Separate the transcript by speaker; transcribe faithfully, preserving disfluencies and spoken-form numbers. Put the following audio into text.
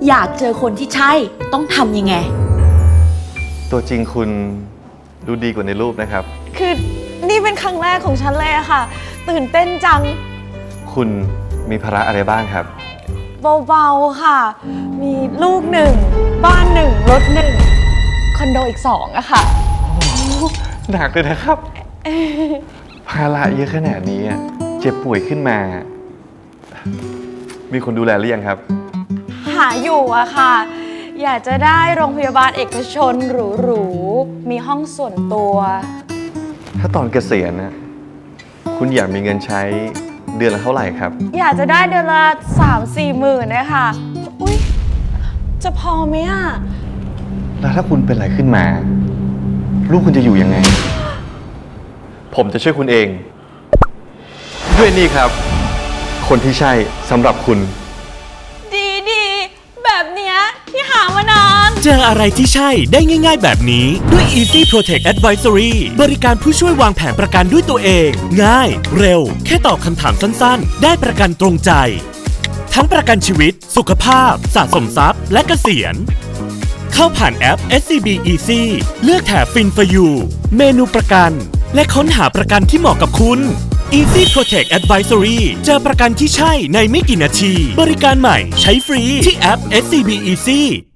Speaker 1: อยากเจอคนที่ใช่ต้องทำยังไง
Speaker 2: ตัวจริงคุณดูดีกว่าในรูปนะครับ
Speaker 3: คือนี่เป็นครั้งแรกของฉันเลยอะค่ะตื่นเต้นจัง
Speaker 2: คุณมีภาระอะไรบ้างครับ
Speaker 3: เบาๆค่ะมีลูกหนึ่งบ้านหนึ่งรถหนึ่งคอนโดอีกสองอะค่ะ
Speaker 2: หนักเลยนะครับภาระเยอะขนาดนี้เจ็บป่วยขึ้นมามีคนดูแลหรือยังครับ
Speaker 3: หาอยู่อะค่ะอยากจะได้โรงพยาบาลเอกชนหรูๆมีห้องส่วนตัว
Speaker 2: ถ้าตอนเกษียณนะคุณอยากมีเงินใช้เดือนละเท่าไหร่ครับ
Speaker 3: อยากจะได้เดือนละสามสี่หมื่นนะคะอุ๊ยจะพอไหมอะ
Speaker 2: แล้วถ้าคุณเป็นอะไรขึ้นมาลูกคุณจะอยู่ยังไงผมจะช่วยคุณเองด้วยนี่ครับคนที่ใช่สำหรับคุณ
Speaker 3: ดีดีแบบเนี้ยที่หามานาน
Speaker 4: เจออะไรที่ใช่ได้ง่ายๆแบบนี้ด้วย Easy Protect Advisory บริการผู้ช่วยวางแผนประกันด้วยตัวเองง่ายเร็วแค่ตอบคำถามสั้นๆได้ประกันตรงใจทั้งประกันชีวิตสุขภาพสะสมทรัพย์และเกษียณเข้าผ่านแอป เอส ซี บี Easy เลือกแถบ Fin for You เมนูประกันและค้นหาประกันที่เหมาะกับคุณ Easy Protect Advisory เจอประกันที่ใช่ในไม่กี่นาทีบริการใหม่ใช้ฟรีที่แอป เอส ซี บี Easy